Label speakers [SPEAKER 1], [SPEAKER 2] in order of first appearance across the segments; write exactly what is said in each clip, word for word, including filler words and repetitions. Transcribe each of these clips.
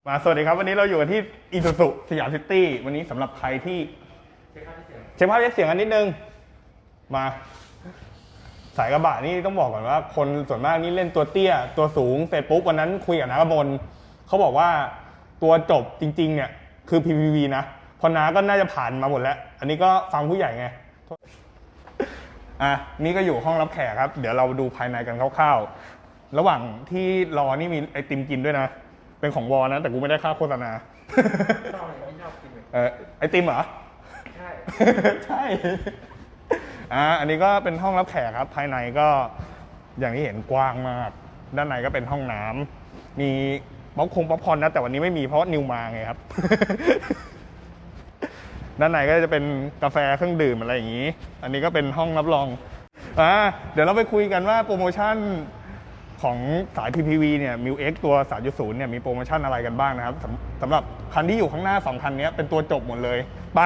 [SPEAKER 1] มาสวัสดีครับวันนี้เราอยู่กันที่อิซูซุสยามซิตี้วันนี้สำหรับใครที่เช็คภาพเสียงกันนิดนึงมาสายกระบะนี่ต้องบอกก่อนว่าคนส่วนมากนี่เล่นตัวเตี้ยตัวสูงเสร็จปุ๊บวันนั้นคุยกับน้ากระมลเขาบอกว่าตัวจบจริงๆเนี่ยคือ พี พี วี นะพอน้าก็น่าจะผ่านมาหมดแล้วอันนี้ก็ฟังผู้ใหญ่ไงอ่ะนี่ก็อยู่ห้องรับแขกครับเดี๋ยวเราดูภายในกันคร่าวๆระหว่างที่รอนี่มีไอติมกินด้วยนะเป็นของวอนะแต่กูไม่ได้ค่าโฆษณาชอบไม่ชอบกินเออไอติมเหรอใช่ใช่อ่าอันนี้ก็เป็นห้องรับแขกครับภายในก็อย่างที่เห็นกว้างมากด้านในก็เป็นห้องน้ำมีป๊อปคงป๊อปคอร์นนะแต่วันนี้ไม่มีเพราะนิวมาไงครับ ด้านในก็จะเป็นกาแฟเครื่องดื่มอะไรอย่างนี้อันนี้ก็เป็นห้องรับรองอ่าเดี๋ยวเราไปคุยกันว่าโปรโมชั่นของสาย พี พี วี เนี่ย มิว เอ็กซ์ ตัว สามจุดศูนย์ เนี่ยมีโปรโมชั่นอะไรกันบ้างนะครับสำหรับคันที่อยู่ข้างหน้าสองคันนี้เป็นตัวจบหมดเลยไป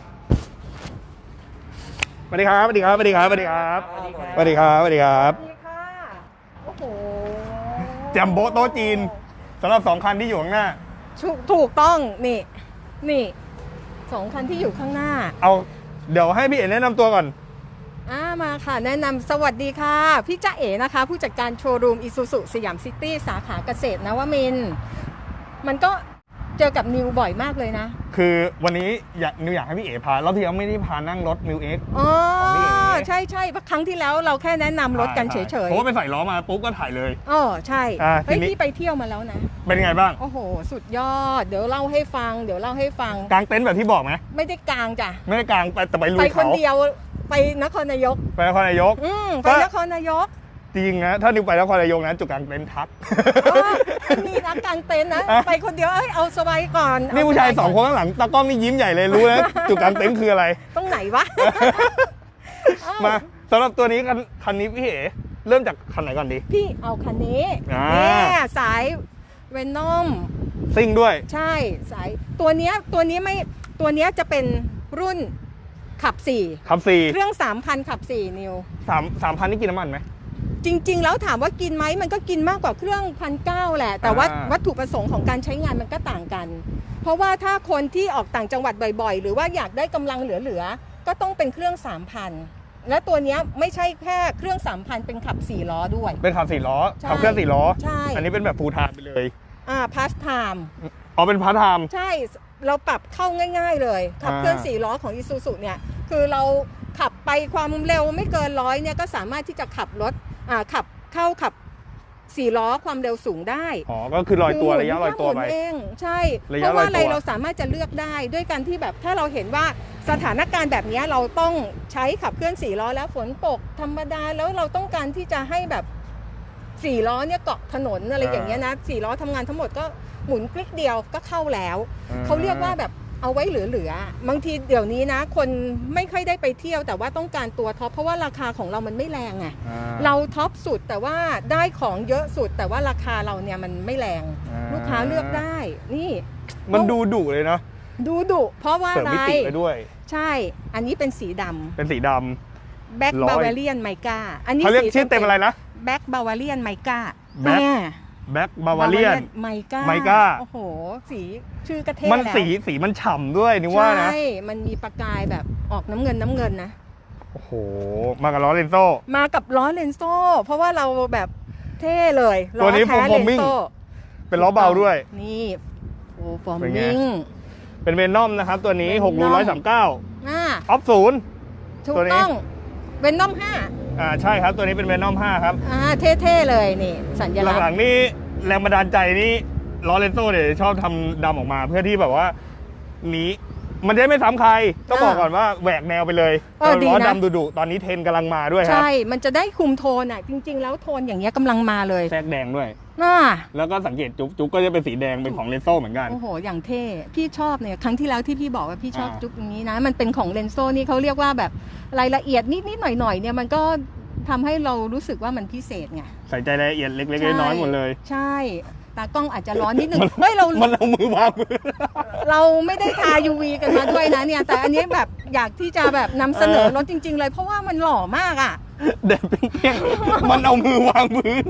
[SPEAKER 1] สวัสดีครับสวัสดีครับสวัสดีครับสวัสดีครับสวัสดีครับสวัสดีครับสวัสดีค่ะโอ้โหแจมโบโต๊ะจีนสำหรับสองคันที่อยู่ข้างหน้า
[SPEAKER 2] ถูกต้องนี่นี่สองคันที่อยู่ข้างหน้า
[SPEAKER 1] เอาเดี๋ยวให้พี่เอ๋แนะนำตัวก่อน
[SPEAKER 2] อ่ามาค่ะแนะนำสวัสดีค่ะพี่จ๊ะเอ๋นะคะผู้จัดการโชว์รูมอิซูซุสยามซิตี้สาขาเกษตรนวมินทร์มันก็เจอกับนิวบ่อยมากเลยนะ
[SPEAKER 1] คือวันนี้อยากนิวอยากให้พี่เอ๋พารอบที่แล้วไม่ได้พานั่งรถมิวเอ็กซ์
[SPEAKER 2] อ๋อใช่ใช่ครั้งที่แล้วเราแค่แนะนำรถกันเฉยๆ
[SPEAKER 1] เพราะว่าไปใส่ล้อมาปุ๊บก็ถ่ายเลย
[SPEAKER 2] อ๋อใช่เฮ้ยพี่ไปเที่ยวมาแล้วนะ
[SPEAKER 1] เป็นไงบ้าง
[SPEAKER 2] โอ้โหสุดยอดเดี๋ยวเล่าให้ฟังเดี๋ยวเล่าให้ฟัง
[SPEAKER 1] กางเต็นท์แบบที่บอกไหม
[SPEAKER 2] ไม่ได้กางจ้ะ
[SPEAKER 1] ไม่ได้กางไปแต่ไปลุยเขา
[SPEAKER 2] ไปคนเดียวไปนครนายก
[SPEAKER 1] ไปนครนายก
[SPEAKER 2] อืมไปนครนายก
[SPEAKER 1] จริงนะถ้านิวไปนครนายกนะจุดกางเต็นท์ทัก
[SPEAKER 2] มีนักกางเต็นท์นะไปคนเดียวเอ้ยเอาสบายก่อน
[SPEAKER 1] นี่ผู้ชายสองคนข้างหลังตากล้องนี่ยิ้มใหญ่เลยรู้แล้วจุดกางเต็นท์คืออะไร
[SPEAKER 2] ตรงไหนวะ
[SPEAKER 1] มาสำหรับตัวนี้คันคันนี้พี่เอ๋เริ่มจากคันไหนก่อนดี
[SPEAKER 2] พี่เอาคันนี้เนี่ยสายเวนอม
[SPEAKER 1] ซิ่งด้วย
[SPEAKER 2] ใช่สายตัวเนี้ยตัวนี้ไม่ตัวเนี้ยจะเป็นรุ่นขับสี่
[SPEAKER 1] ขับสี่
[SPEAKER 2] เครื่องสามพันขับสี่นิว
[SPEAKER 1] สามสามพันนี่กินน้ำมันไหม
[SPEAKER 2] จริงๆแล้วถามว่ากินไหมมันก็กินมากกว่าเครื่องพันเก้าแหละแต่ว่าวัตถุประสงค์ของการใช้งานมันก็ต่างกันเพราะว่าถ้าคนที่ออกต่างจังหวัดบ่อยๆหรือว่าอยากได้กำลังเหลือๆก็ต้องเป็นเครื่อง สามพัน และตัวนี้ไม่ใช่แค่เครื่อง สามพัน เป็นขับสี่ล้อด้วย
[SPEAKER 1] เป็นขับสี่ล้อขับเครื่องสี่ล้อ
[SPEAKER 2] ใช่
[SPEAKER 1] อันนี้เป็นแบบฟูลไทม์ไปเลย
[SPEAKER 2] อ่าพาสไทม์
[SPEAKER 1] อ๋อเป็นพาสไทม์
[SPEAKER 2] ใช่เราปรับเข้าง่ายๆเลยขับเครื่องสี่ล้อของอิซูซุเนี่ยคือเราขับไปความเร็วไม่เกินร้อยเนี่ยก็สามารถที่จะขับรถอ่าขับเข้าขับสี่ล้อความเร็วสูงได้
[SPEAKER 1] อ๋อก็คือลอยตัวระยะลอยตัวไป
[SPEAKER 2] เองใช่เพราะว่าอะไรเราสามารถจะเลือกได้ด้วยการที่แบบถ้าเราเห็นว่าสถานการณ์แบบนี้เราต้องใช้ขับเคลื่อนสี่ล้อแล้วฝนตกธรรมดาแล้วเราต้องการที่จะให้แบบสี่ล้อเนี่ยเกาะถนนอะไรอย่างเงี้ยนะสี่ล้อทำงานทั้งหมดก็หมุนคลิกเดียวก็เข้าแล้วเขาเรียกว่าแบบเอาไว้เหลือๆบางทีเดี๋ยวนี้นะคนไม่ค่อยได้ไปเที่ยวแต่ว่าต้องการตัวท็อปเพราะว่าราคาของเรามันไม่แรงไงเราท็อปสุดแต่ว่าได้ของเยอะสุดแต่ว่าราคาเราเนี่ยมันไม่แรงลูกค้าเลือกได้นี่
[SPEAKER 1] มันดูดุเลยเนาะ
[SPEAKER 2] ดูดุเพราะว่าอะไร
[SPEAKER 1] เสริมมิติไปด้วย
[SPEAKER 2] ใช่อันนี้เป็นสีดำ
[SPEAKER 1] เป็นสีดำ
[SPEAKER 2] แบ็คบาวาเรียนไมก้าอันนี้
[SPEAKER 1] เขาเรียกชื่อเต็มอะไรนะ
[SPEAKER 2] แบ็คบาวาเรียนไมก้า
[SPEAKER 1] แบ็คแบ็คบาวาเรียน
[SPEAKER 2] ไมก้า
[SPEAKER 1] ไมก้า
[SPEAKER 2] โอ้โหสีชื่อกระเทศแล้ว
[SPEAKER 1] มันสีสีมันฉ่ำด้วยนี่ว่านะ
[SPEAKER 2] ใช่มันมีประกายแบบออกน้ำเงินน้ำเงินนะ
[SPEAKER 1] โอ้โหมากับล้อเลนโซ่
[SPEAKER 2] มากับล้อเลนโซ่เพราะว่าเราแบบเท่เลย
[SPEAKER 1] ตัวนี้ฟอร์มิ่งเป็นล้อเบาด้วย
[SPEAKER 2] นี่โอ้ฟอร์มิ่ง
[SPEAKER 1] เป็นเวนอมนะครับตัวนี้หกรูร้อยสามเก้าออฟศูนย์
[SPEAKER 2] ถูกต้องเวนอมห้า
[SPEAKER 1] อ่าใช่ครับตัวนี้เป็นเวนอมห้าครับ
[SPEAKER 2] อ่าเท่ๆเลยนี่สัญลักษณ์
[SPEAKER 1] หลังๆนี่แรงบันดาลใจนี่ล้อเลนโซ่เนี่ยชอบทำดำออกมาเพื่อที่แบบว่านี้มันจะไม่ซ้ำใครต้องบอกก่อนว่าแหวกแนวไปเลยล้อดำดุๆตอนนี้เทรนกำลังมาด้วยครับ
[SPEAKER 2] ใช่มันจะได้คุมโทนอ่ะจริงๆแล้วโทนอย่างเงี้ยกำลังมาเลย
[SPEAKER 1] แทรกแดงด้วย
[SPEAKER 2] น่า
[SPEAKER 1] แล้วก็สังเกตจุ๊บจุ๊บก็จะเป็นสีแดงเป็นของเลนโซ่เหมือนกัน
[SPEAKER 2] โอ้โหอย่างเท่พี่ชอบเนี่ยครั้งที่แล้วที่พี่บอกว่าพี่ชอบจุ๊บอย่างนี้นะมันเป็นของเลนโซ่นี่เขาเรียกว่าแบบรายละเอียดนิดๆหน่อยๆเนี่ยมันก็ทำให้เรารู้สึกว่ามันพิเศษไง
[SPEAKER 1] ใส่ใจรายละเอียดเล็กๆน้อยๆหมดเลย
[SPEAKER 2] ใช่ตากล้องอาจจะร้อนนิดนึงเฮ้ยเรา
[SPEAKER 1] มันเอามือวางมือ
[SPEAKER 2] เราไม่ได้ทา ยู วี กันมาด้วยนะเนี่ยแต่อันนี้แบบอยากที่จะแบบนำเสนอรถจริงๆเลยเพราะว่ามันหล่อมากอ่ะ
[SPEAKER 1] เด็ดเปี้ยงมันเอามือวางมือ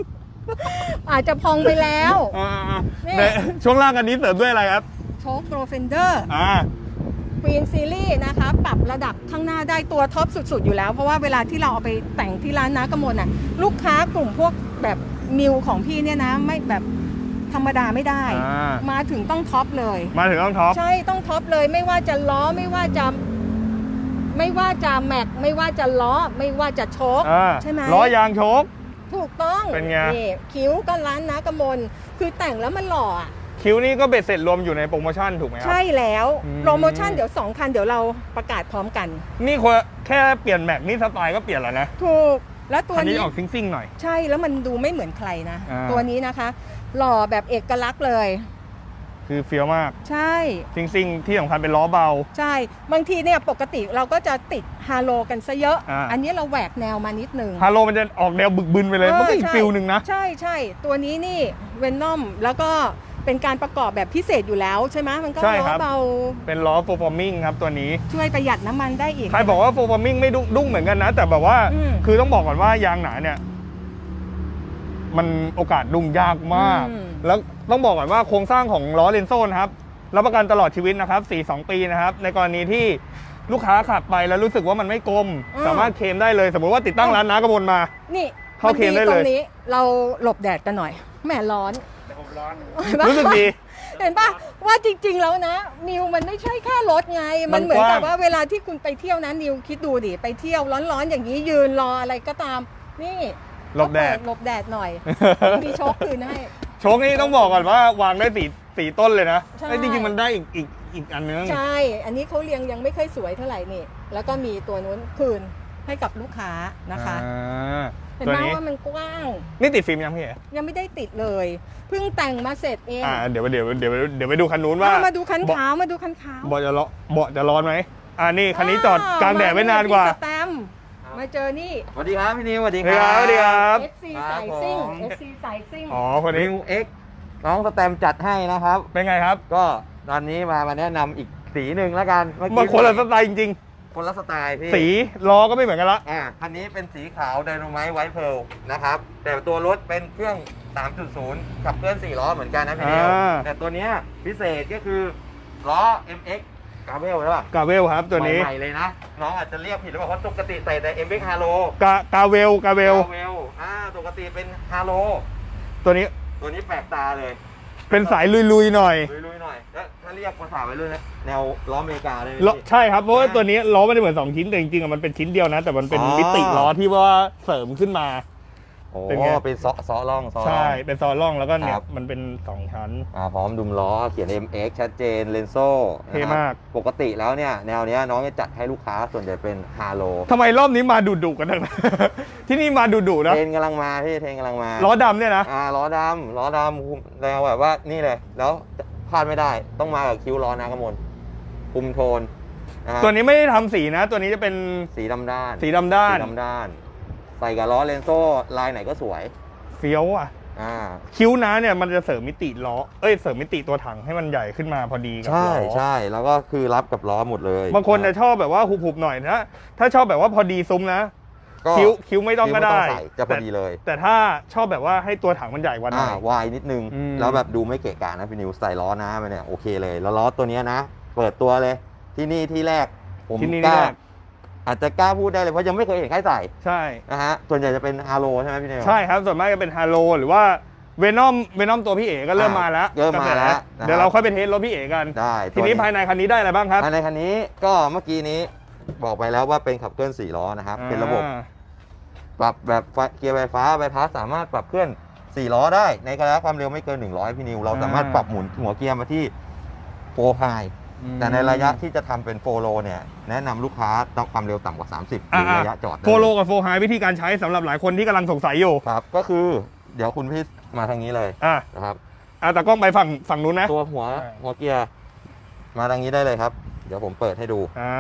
[SPEAKER 2] อาจจะพองไปแล้ว
[SPEAKER 1] อ่า
[SPEAKER 2] นี่
[SPEAKER 1] ในช่วงล่างอันนี้เสริมด้วยอะไรครับ
[SPEAKER 2] โชคโปรเฟนเดอร์
[SPEAKER 1] อ่า
[SPEAKER 2] ควีนซีรีส์นะคะปรับระดับข้างหน้าได้ตัวท็อปสุดๆอยู่แล้ว เพราะว่าเวลาที่เราเอาไปแต่งที่ร้านน้ากมลน่ะลูกค้ากลุ่มพวกแบบมิวของพี่เนี่ยนะไม่แบบธรรมดาไม่ได้
[SPEAKER 1] อ่า
[SPEAKER 2] มาถึงต้องท็อปเลย
[SPEAKER 1] มาถึงต้องท็อป
[SPEAKER 2] ใช่ต้องท็อปเลยไม่ว่าจะล้อไม่ว่าจะไม่ว่าจะแม็กไม่ว่าจะล้อไม่ว่าจะโชค
[SPEAKER 1] อ่า
[SPEAKER 2] ใช่ไหม
[SPEAKER 1] ล้อยางโชค
[SPEAKER 2] ถูกต้อง
[SPEAKER 1] เป็นไง
[SPEAKER 2] นี่คิ้วก็ร้านน้ากมลคือแต่งแล้วมันหล่ออะ
[SPEAKER 1] คิวนี่ก็เบ็ดเสร็จรวมอยู่ในโปรโมชั่นถูกไหมครั
[SPEAKER 2] ใช่แล้ว
[SPEAKER 1] อืม
[SPEAKER 2] โปรโมชั่นเดี๋ยวสองคันเดี๋ยวเราประกาศพร้อมกัน
[SPEAKER 1] นี่คนแค่เปลี่ยนแม็กนี่สไตล์ก็เปลี่ยนแล้วนะ
[SPEAKER 2] ถูกแล้วตัว
[SPEAKER 1] คันนี้
[SPEAKER 2] นี้
[SPEAKER 1] ออกซิ่งๆหน่อย
[SPEAKER 2] ใช่แล้วมันดูไม่เหมือนใครนะ
[SPEAKER 1] อ่า
[SPEAKER 2] ตัวนี้นะคะ หล่อแบบเอกลักษณ์เลย
[SPEAKER 1] คือเฟี้ยวมาก
[SPEAKER 2] ใช่
[SPEAKER 1] ซิ่งๆที่สำคัญเป็นล้อเบา
[SPEAKER 2] ใช่บางทีเนี่ยปกติเราก็จะติดฮาโลกันซะเยอะ
[SPEAKER 1] อ่า
[SPEAKER 2] อันนี้เราแหวกแนวมานิดนึง
[SPEAKER 1] ฮาโลมันจะออกแนวบึกบึนไปเลย
[SPEAKER 2] เออ
[SPEAKER 1] มันก็อีก
[SPEAKER 2] ใช่
[SPEAKER 1] ฟิลหนึ่งนะ
[SPEAKER 2] ใช่ใช่ตัวนี้นี่เวนนอมแล้วก็เป็นการประกอบแบบพิเศษอยู่แล้วใช่ไหมมันก็
[SPEAKER 1] ใช่
[SPEAKER 2] ล้อ
[SPEAKER 1] ครับ
[SPEAKER 2] เบา
[SPEAKER 1] เป็นล้อโฟร์ฟอร์มิงครับตัวนี้
[SPEAKER 2] ช่วยประหยัดน้ำมันได้อีก
[SPEAKER 1] ใครบอกว่าโฟร์ฟอร์มิงไม่ดุดุ้งเหมือนกันนะ แต่แบบว่า
[SPEAKER 2] อืม
[SPEAKER 1] คือต้องบอกก่อนว่ายางหนาเนี่ย มันโอกาสดุ้งยากมาก
[SPEAKER 2] อืม
[SPEAKER 1] แล้วต้องบอกก่อนว่าโครงสร้างของล้อเลนโซ่นะครับรับประกันตลอดชีวิตนะครับสี่ สองปีนะครับ ในกรณีที่ลูกค้าขับไปแล้วรู้สึกว่ามันไม่กลม สามารถเคลมได้เลย สมมติว่าติดตั้งร้านน้ากระบนมา
[SPEAKER 2] นี่
[SPEAKER 1] เข้าเคลมได้เลย
[SPEAKER 2] ตรงนี้เราหลบแดดกันหน่อยแหมร้อน
[SPEAKER 1] รู้สึกดี
[SPEAKER 2] เห็นปะว่าจริงๆแล้วนะนิวมันไม่ใช่แค่รถไง มันเหมือนกับว่าเวลาที่คุณไปเที่ยวนะนิวคิดดูดิไปเที่ยวร้อนๆอย่างนี้ยืนรออะไรก็ตาม นี่
[SPEAKER 1] หลบแดด
[SPEAKER 2] ก็เปิหลบแดดหน่อย มีโชคคืนให้
[SPEAKER 1] โชคนี่ต้องบอกก่อนว่าวางได้สี่สี่ต้นเลยนะ
[SPEAKER 2] ใช่
[SPEAKER 1] ไอ้ยจริงๆมันได้อีกอีกอีกอันนึง
[SPEAKER 2] ใช่ อันนี้เขาเรียงยังไม่ค่อยสวยเท่าไหร่นี่ แล้วก็มีตัวนู้นคืนให้กับลูกค้านะคะ
[SPEAKER 1] อ่า
[SPEAKER 2] เห็น
[SPEAKER 1] ตัว
[SPEAKER 2] ไหม
[SPEAKER 1] นี้
[SPEAKER 2] ว่ามันกว้าง
[SPEAKER 1] นี่ติดฟิล์มยังพี่เอ๋
[SPEAKER 2] ยังไม่ได้ติดเลย เพิ่งแต่งมาเสร็จเอง
[SPEAKER 1] อ่าเดี๋ยวเดี๋ยวเดี๋ยวเดี๋ยวไปดูคันนู้นว่า
[SPEAKER 2] เอามาดูคัน
[SPEAKER 1] เบาะ
[SPEAKER 2] ขาวมาดูคันขาว
[SPEAKER 1] เบาะจะร้อนเบาะจะร้อนไหมอ่านี่คันนี้จอดกลางแดดไว้นานกว่า
[SPEAKER 2] พี่สแตมป์มาเจอนี่
[SPEAKER 3] สวัสดีครับพี่นิวสวัสดี
[SPEAKER 1] สวัสดีครับสวัสดีครับ
[SPEAKER 2] เอฟ ซี สายซิ่ง
[SPEAKER 3] ผม
[SPEAKER 2] เอฟ ซี สายซิ่ง
[SPEAKER 1] อ๋อคนนี้
[SPEAKER 3] นิวเอ็กน้องสแตมป์จัดให้นะครับ
[SPEAKER 1] เป็นไงครับ
[SPEAKER 3] ก็ตอนนี้มามาแนะนำอีกสีหนึ่งแล้วกันเมื่อ
[SPEAKER 1] มัน
[SPEAKER 3] กี้
[SPEAKER 1] คนละสไตล์จริง
[SPEAKER 3] คนละสไตล์พี่
[SPEAKER 1] ๆ สีล้อก็ไม่เหมือนกันละ
[SPEAKER 3] อ่าคันนี้เป็นสีขาวไดโนไมท์ไวท์เพร์ลนะครับ แต่ตัวรถเป็นเครื่อง สามจุดศูนย์ ขับเคลื่อนสี่ล้อเหมือนกันนะพี่นิว
[SPEAKER 1] อ่า
[SPEAKER 3] แต่ตัวเนี้ยพิเศษก็คือล้อ เอ็ม เอ็กซ์ กาเวลใช่ป่ะ
[SPEAKER 1] กาเวลครับตัวนี้
[SPEAKER 3] ใหม่ๆเลยนะ น้องอาจจะเรียกผิดหรือเปล่าเพราะปกติใส่แต่ เอ็ม เอ็กซ์ Halo
[SPEAKER 1] กากาเวลกาเวล
[SPEAKER 3] กาเวลอ่าปกติเป็น Halo
[SPEAKER 1] ตัวนี้
[SPEAKER 3] ตัวนี้แปลกตาเลย
[SPEAKER 1] เป็นสายลุยๆหน่อย
[SPEAKER 3] ลุยๆหน่อยแล้วถ้าเรียกภาษาไปเลยนะแนวล้ออเมริกาเลย
[SPEAKER 1] ล้อใช่ครับเพราะว่าตัวนี้ล้อไม่ได้เหมือนสองชิ้นแต่จริงๆอะมันเป็นชิ้นเดียวนะ แต่มันเป็น
[SPEAKER 3] อ๋อ
[SPEAKER 1] มิติล้อที่ว่าเสริมขึ้นมา
[SPEAKER 3] โอ้
[SPEAKER 1] เป็นไง
[SPEAKER 3] เป็นซอซอล่องซอล่อง
[SPEAKER 1] ใช่เป็นซอล่องแล้วก็เนี่
[SPEAKER 3] ค
[SPEAKER 1] ย
[SPEAKER 3] รับ
[SPEAKER 1] มันเป็นสองชั้น
[SPEAKER 3] อ่าพร้อมดุมล้อเขียน เอ็ม เอ็กซ์ ชัดเจนเลนโซ่
[SPEAKER 1] เท่มาก
[SPEAKER 3] ปกติแล้วเนี่ย แนวเนี้ยน้องจะจัดให้ลูกค้าส่วนใหญ่เป็นฮาโล
[SPEAKER 1] ทำไมรอบนี้มาดุๆกันทั้งนั้น ที่นี่มาดุๆนะ
[SPEAKER 3] เทรนกำลังมาพี่เทรนกำลังมา
[SPEAKER 1] ล้อดำเนี่ยนะ
[SPEAKER 3] อ่าล้อดำล้อดำแนวแบบว่านี่เลย แล้วพลาดไม่ได้ต้องมากับคิ้วล้อนากระมลคุมโทนนะฮะ
[SPEAKER 1] ตัวนี้ไม่ได้ทำสีนะ ตัวนี้จะเป็น
[SPEAKER 3] สีดำด้าน
[SPEAKER 1] สีดำด้าน
[SPEAKER 3] สีดำด้าน ใส่กับล้อเลนโซ่ลายไหนก็สวย
[SPEAKER 1] เฟี้ยวอ่ะ
[SPEAKER 3] อ่า
[SPEAKER 1] คิ้วนะเนี่ยมันจะเสริมมิติล้อ เอ้ยเสริมมิติตัวถังให้มันใหญ่ขึ้นมาพอดีกับ
[SPEAKER 3] ใช่
[SPEAKER 1] ล้อ
[SPEAKER 3] ใช่แล้วก็คือรับกับล้อหมดเลย
[SPEAKER 1] บางคนจะชอบแบบว่าหุบๆหน่อยนะถ้าชอบแบบว่าพอดีซุ้มนะ
[SPEAKER 3] ก็
[SPEAKER 1] คิ้วคิ้วไม่ต้องก็ได้
[SPEAKER 3] คิ้วม่ใส่จะพอดีเลย
[SPEAKER 1] แต่แต่ถ้าชอบแบบว่าให้ตัวถังมันใหญ่กว่าหน่
[SPEAKER 3] อ่า
[SPEAKER 1] อยว
[SPEAKER 3] ายนิดนึง
[SPEAKER 1] อืม
[SPEAKER 3] แล้วแบบดูไม่เกะกะนะพี่นิวใส่ล้อหน้าไปเนี่ยโอเคเลย แล้วล้อตัวเนี้ยนะ เปิดตัวเลย ที่นี่ที่แรก ผม
[SPEAKER 1] ที่นี่
[SPEAKER 3] กล้า
[SPEAKER 1] ที่แรก
[SPEAKER 3] อาจจะกล้าพูดได้เลยเพราะยังไม่เคยเห็นใครใส่
[SPEAKER 1] ใช่
[SPEAKER 3] นะฮะส่วนใหญ่จะเป็นฮาโลใช่ไหมพี่นิว
[SPEAKER 1] ใช่ครับส่วนมากจะเป็นฮาโลหรือว่าเวนอมเวนอมตัวพี่เอ๋ก็เริ่มมาแล้ว
[SPEAKER 3] เริ่มมาแล้ว
[SPEAKER 1] เดี๋ยวเราค่อยไปเทสรถพี่เอ๋กัน
[SPEAKER 3] ได้
[SPEAKER 1] ทีนี้ภายในคันนี้ได้อะไรบ้างครับ
[SPEAKER 3] ภายในคันนี้ก็เมื่อกี้นี้บอกไปแล้วว่าเป็นขับเคลื่อนสี่ล้อนะครับเป็นระบบ
[SPEAKER 1] อ่า
[SPEAKER 3] ปรับแบบไฟเกียร์ไฟฟ้าใบพัดสามารถปรับเคลื่อนสี่ล้อได้ในระยะความเร็วไม่เกินหนึ่งร้อยพี่นิวเราสามารถปรับหมุนหัวเกียร์มาที่โฟร์ไฮแต่ในระยะที่จะทำเป็นโฟโลเนี่ยแนะนำลูกค้าต้องความเร็วต่ำกว่าสามสิบหรือระยะจอดได้
[SPEAKER 1] โฟโลกับโฟไฮวิธีการใช้สำหรับหลายคนที่กำลังสงสัยอยู่
[SPEAKER 3] ครับก็คือเดี๋ยวคุณพี่มาทางนี้เลย
[SPEAKER 1] อ่ะ
[SPEAKER 3] นะครับ
[SPEAKER 1] อ่ะแต่กล้องไปฝั่งฝั่งนู้นนะ
[SPEAKER 3] ตัวหัว
[SPEAKER 1] ใช่
[SPEAKER 3] หัวเกียร์มาทางนี้ได้เลยครับ เดี๋ยวผมเปิดให้ดู
[SPEAKER 1] อ่า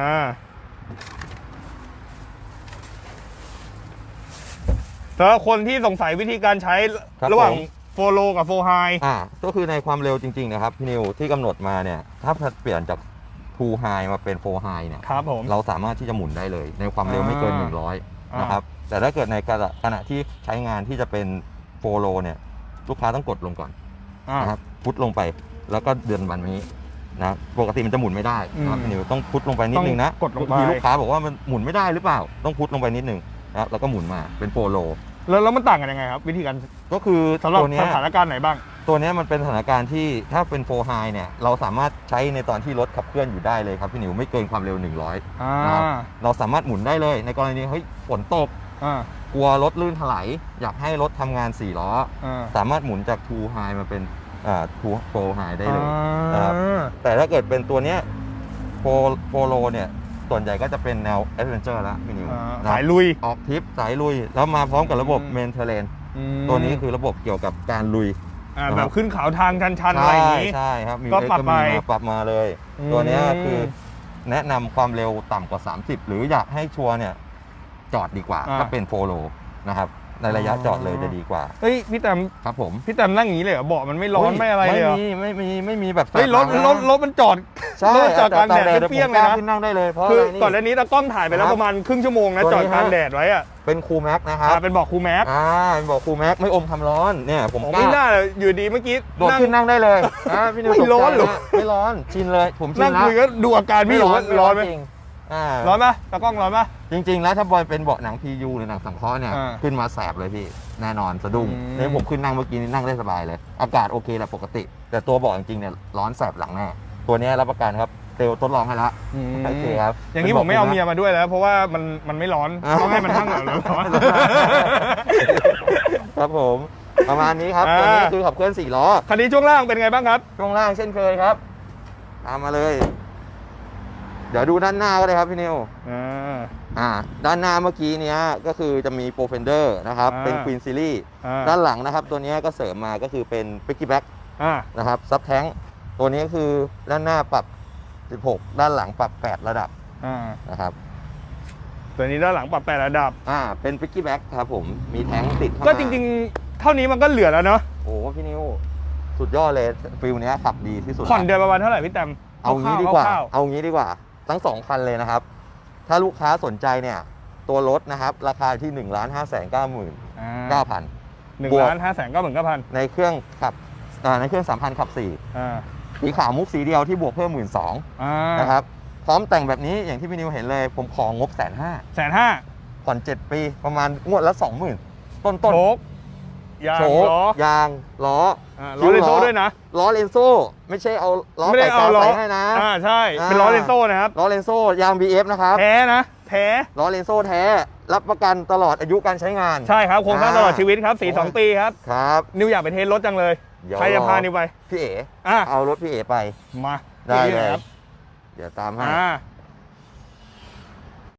[SPEAKER 1] สำหรับคนที่สงสัยวิธีการใช้
[SPEAKER 3] ครับ
[SPEAKER 1] ระหว่าง
[SPEAKER 3] ผม
[SPEAKER 1] โฟโลกับโฟไฮ
[SPEAKER 3] อ่าก็คือในความเร็วจริงๆนะครับพี่นิวที่กำหนดมาเนี่ยถ้าเปลี่ยนจากทูไฮมาเป็นโฟไฮเนี่ย
[SPEAKER 1] ครับผม
[SPEAKER 3] เราสามารถที่จะหมุนได้เลย ในความเร็วไม่เกิน
[SPEAKER 1] อ่า
[SPEAKER 3] หนึ่งร้อย
[SPEAKER 1] อ่าน
[SPEAKER 3] นะครับแต่ถ้าเกิดในขณะขณะที่ใช้งานที่จะเป็นโฟโลเนี่ยลูกค้าต้องกดลงก่อน
[SPEAKER 1] อ่า
[SPEAKER 3] นะครับพุทลงไปแล้วก็เดือนวันนี้นะปกติมันจะหมุนไม่ได้นะครับ
[SPEAKER 1] อืม
[SPEAKER 3] พี่นิวต้องพุทลงไปนิดนึงนะ
[SPEAKER 1] ต้องกดลงไป
[SPEAKER 3] ทีลูกค้าบอกว่ามันหมุนไม่ได้หรือเปล่าต้องพุทลงไปนิดนึงนะครับแล้วก็หมุนมาเป็นโฟโล
[SPEAKER 1] แล้วแล้วมันต่างกันยังไงครับ วิธีการ
[SPEAKER 3] ก็คือ
[SPEAKER 1] สำหรับ
[SPEAKER 3] ตัวเนี้
[SPEAKER 1] ส
[SPEAKER 3] ย
[SPEAKER 1] ถานการณ์ไหนบ้าง
[SPEAKER 3] ตัวเนี้ยมันเป็นสถานการณ์ที่ถ้าเป็นโฟไฮเนี่ยเราสามารถใช้ในตอนที่รถขับเคลื่อนอยู่ได้เลยครับพี่นิวไม่เกินความเร็วหนึ่งร้อย
[SPEAKER 1] อ่า
[SPEAKER 3] นะครับเราสามารถหมุนได้เลยในกรณีเฮ้ยฝนตก
[SPEAKER 1] อ่า
[SPEAKER 3] กลัวรถลื่นถลายอยากให้รถทำงานสี่ล้อ
[SPEAKER 1] อ่า
[SPEAKER 3] สามารถหมุนจากทูไฮมาเป็นอ่าทูโฟไฮได้เลย
[SPEAKER 1] อ่า
[SPEAKER 3] นะครับ แต่ถ้าเกิดเป็นตัวเนี้ยโฟโฟโลเนี่ยส่วนใหญ่ก็จะเป็นแนวแอดเวนเจอร์แล้วพี่นิว
[SPEAKER 1] อ่า
[SPEAKER 3] นะ
[SPEAKER 1] สายลุย
[SPEAKER 3] ออกทริปสายลุย แล้วมาพร้อมกับระบบ
[SPEAKER 1] อืม
[SPEAKER 3] เมนเทเลน
[SPEAKER 1] อืม
[SPEAKER 3] ตัวนี้คือระบบเกี่ยวกับการลุย
[SPEAKER 1] อ่า
[SPEAKER 3] นะ
[SPEAKER 1] แบ
[SPEAKER 3] ครับ
[SPEAKER 1] บขึ้นเขาทางชันๆอะไรอย่างนี้
[SPEAKER 3] ใช่ครับมี
[SPEAKER 1] ก็ปรับ
[SPEAKER 3] เอ็ซ์
[SPEAKER 1] ไป
[SPEAKER 3] มีมาปรับมาเลย
[SPEAKER 1] อืม
[SPEAKER 3] ตัวเนี้ยคือแนะนำความเร็วต่ำกว่า สามสิบ หรืออยากให้ชัวร์เนี่ยจอดดีกว่า
[SPEAKER 1] อ่า
[SPEAKER 3] ก็เป็นโฟโลนะครับในระยะ
[SPEAKER 1] อ๋อ
[SPEAKER 3] จอดเลยจะดีกว่า
[SPEAKER 1] เฮ้ยพี่แตม
[SPEAKER 3] ครับผม
[SPEAKER 1] พี่แตมนั่งอย่างนี้เลยเหรอเบาะมันไม่ร้อนไม่อะไรเลยเหรอ
[SPEAKER 3] ไม่มีไม่มีไม่มีแบบ
[SPEAKER 1] เฮ้ยรถ
[SPEAKER 3] แสบห
[SPEAKER 1] ร
[SPEAKER 3] ลั
[SPEAKER 1] ถ
[SPEAKER 3] ง
[SPEAKER 1] รถมันจอด
[SPEAKER 3] ใช่
[SPEAKER 1] รถจอดกลางแดด
[SPEAKER 3] แต่
[SPEAKER 1] เปรี้ยงๆ
[SPEAKER 3] ผม
[SPEAKER 1] เลย
[SPEAKER 3] กา
[SPEAKER 1] นะ
[SPEAKER 3] ขึ้นนั่งได้เลยเพราะ
[SPEAKER 1] คือ
[SPEAKER 3] อะไรนี่
[SPEAKER 1] ก่อนหน้านี้ตากล้องถ่ายไปแล้ว
[SPEAKER 3] ครับ
[SPEAKER 1] ประมาณครึ่งชั่วโมงนะ
[SPEAKER 3] ตัว
[SPEAKER 1] จ
[SPEAKER 3] นี้
[SPEAKER 1] อดกลาง
[SPEAKER 3] ฮะ
[SPEAKER 1] แดดไว้อะ
[SPEAKER 3] เป็นคูลแม็กนะครับ
[SPEAKER 1] อ่าเป็นเบอกครูแม็ก
[SPEAKER 3] อ่าเป็นบอกคูลแม็กไม่อมความร้อนเนี่ยผม
[SPEAKER 1] ผม
[SPEAKER 3] กล้า
[SPEAKER 1] ไม่น่าเลยอยู่ดีเมื่อกี้
[SPEAKER 3] โดดขึ้นนั่งได้เลยอ่าพี่นิว
[SPEAKER 1] ไม่
[SPEAKER 3] ตกใจ
[SPEAKER 1] ร้อนเหรอ
[SPEAKER 3] ะไม่ร้อนชินเลยผมชิ
[SPEAKER 1] นั่
[SPEAKER 3] น
[SPEAKER 1] ง
[SPEAKER 3] แล้ว
[SPEAKER 1] คุยก็ดูอาการพี่อยู่ว่าร้อนไหม
[SPEAKER 3] จริงอ่า
[SPEAKER 1] ร้อนไหมตากล้องร้อนไหม
[SPEAKER 3] จริง ๆ แล้วถ้าบอยเป็นเบาะหนัง พี ยู หรือหนังสังเคราะห์เนี่ย
[SPEAKER 1] อ่า
[SPEAKER 3] ขึ้นมาแสบเลยพี่แน่นอนสะดุ้ง
[SPEAKER 1] อืม
[SPEAKER 3] นี่ผมขึ้นนั่งเมื่อกี้นี่นั่งได้สบายเลย อากาศโอเคแหละปกติ แต่ตัวเบาะจริงๆเนี่ยร้อนแสบหลังแน่ตัวเนี้ยรับประกันครับเตลทดลองให้ละ
[SPEAKER 1] อืม
[SPEAKER 3] โอเคครับ
[SPEAKER 1] อย่างนี้ผมไม่เอาเมียมาด้วยแล้ว เพราะว่ามันมันไม่ร้อน
[SPEAKER 3] อ่า
[SPEAKER 1] ต้องให้มันนั่งเหรอร้อน
[SPEAKER 3] ครับผมประมาณนี้ครับ
[SPEAKER 1] อ่า
[SPEAKER 3] ตัวนี้คือขับเคลื่อนสี่ล้อ
[SPEAKER 1] คันนี้ช่วงล่างเป็นไงบ้างครับ
[SPEAKER 3] ช่วงล่างเช่นเคยครับตามมาเลย เดี๋ยวดูด้านหน้าก็ได้ครับพี่นิว
[SPEAKER 1] อ่า
[SPEAKER 3] อ่าด้านหน้าเมื่อกี้เนี้ยก็คือจะมีโปรเฟนเดอร์นะครับ
[SPEAKER 1] อ่า
[SPEAKER 3] เป็น Queen Series
[SPEAKER 1] อ่า
[SPEAKER 3] ด้านหลังนะครับตัวเนี้ยก็เสริมมาก็คือเป็น Picky Back
[SPEAKER 1] อ่า
[SPEAKER 3] นะครับซับแท้งตัวนี้คือด้านหน้าปรับ สิบหก ด้านหลังปรับ แปด ระดับ
[SPEAKER 1] อ่า
[SPEAKER 3] นะครับ
[SPEAKER 1] ตัวนี้ด้านหลังปรับแปดระดับ
[SPEAKER 3] อ่าเป็น Picky Back ครับผมมีแท้งติดเข้ามา
[SPEAKER 1] ก็จริงๆ เท่านี้มันก็เหลือแล้วเนาะ
[SPEAKER 3] โอ้พี่นิวสุดยอดเลยฟิลเนี้ยขับดีที่สุด
[SPEAKER 1] ผ่อนเดือนประมาณเท่าไหร่พี่แตม
[SPEAKER 3] เอางี้ดีกว่า
[SPEAKER 1] คร่ว
[SPEAKER 3] เอางี้ดีกว่า ทั้งสองคันเลยนะครับ ถ้าลูกค้าสนใจเนี่ยตัวรถนะครับราคาที่ หนึ่งล้านห้าแสนเก้าหมื่น
[SPEAKER 1] ๆอ่า
[SPEAKER 3] เก้าพัน
[SPEAKER 1] หนึ่ง
[SPEAKER 3] บวก
[SPEAKER 1] ล้านห้าแสนเก้าหมื่นเก้าพัน
[SPEAKER 3] ในเครื่องขับอ่าในเครื่องสามพันขับสี่
[SPEAKER 1] อ่า
[SPEAKER 3] สีขาวมุกสีเดียวที่บวกเพิ่มหมื่นสอง
[SPEAKER 1] อ่า
[SPEAKER 3] นะครับพร้อมแต่งแบบนี้อย่างที่พี่นิวเห็นเลย ผมของงบแสนห้า
[SPEAKER 1] แสนห้า
[SPEAKER 3] ผ่อนเจ็ดปีประมาณงวดละสองหมื่นต้นต้น
[SPEAKER 1] โชกยาง
[SPEAKER 3] โชค
[SPEAKER 1] ล้อย
[SPEAKER 3] างล้อ
[SPEAKER 1] อ่า
[SPEAKER 3] คิ้
[SPEAKER 1] ล้อ
[SPEAKER 3] ว
[SPEAKER 1] เลนโซ่
[SPEAKER 3] ล้อ
[SPEAKER 1] ด้วยนะ
[SPEAKER 3] ล้อเลนโซ่ไม่ใช่เอาล้อ
[SPEAKER 1] ไม่ได้
[SPEAKER 3] ไก่
[SPEAKER 1] เอา
[SPEAKER 3] กาว
[SPEAKER 1] ล้อ
[SPEAKER 3] ใส่ให้นะ
[SPEAKER 1] อ่าใช่
[SPEAKER 3] อ่า
[SPEAKER 1] เป็นล้อเลนโซ่นะครับ
[SPEAKER 3] ล้อเลนโซ่ยาง บี เอฟ นะครับ
[SPEAKER 1] แท้นะแท้
[SPEAKER 3] ล้อเลนโซ่แท้รับประกันตลอดอายุการใช้งาน
[SPEAKER 1] ใช่ครับโครงสร้างตลอดชีวิตครับ
[SPEAKER 3] โอ้
[SPEAKER 1] สี่
[SPEAKER 3] ย
[SPEAKER 1] สองปีครับ
[SPEAKER 3] ครับ
[SPEAKER 1] นิวอยากไปเทสรถจังเลย
[SPEAKER 3] เดี๋ยว
[SPEAKER 1] ใครจะ
[SPEAKER 3] รอ
[SPEAKER 1] พานิวไป
[SPEAKER 3] พี่เอ๋
[SPEAKER 1] อ่ะ
[SPEAKER 3] เอารถพี่เอ๋ไป
[SPEAKER 1] มา
[SPEAKER 3] ได้
[SPEAKER 1] ที่
[SPEAKER 3] เลย
[SPEAKER 1] ครับ
[SPEAKER 3] เดี๋ยวตามให้
[SPEAKER 1] อ่า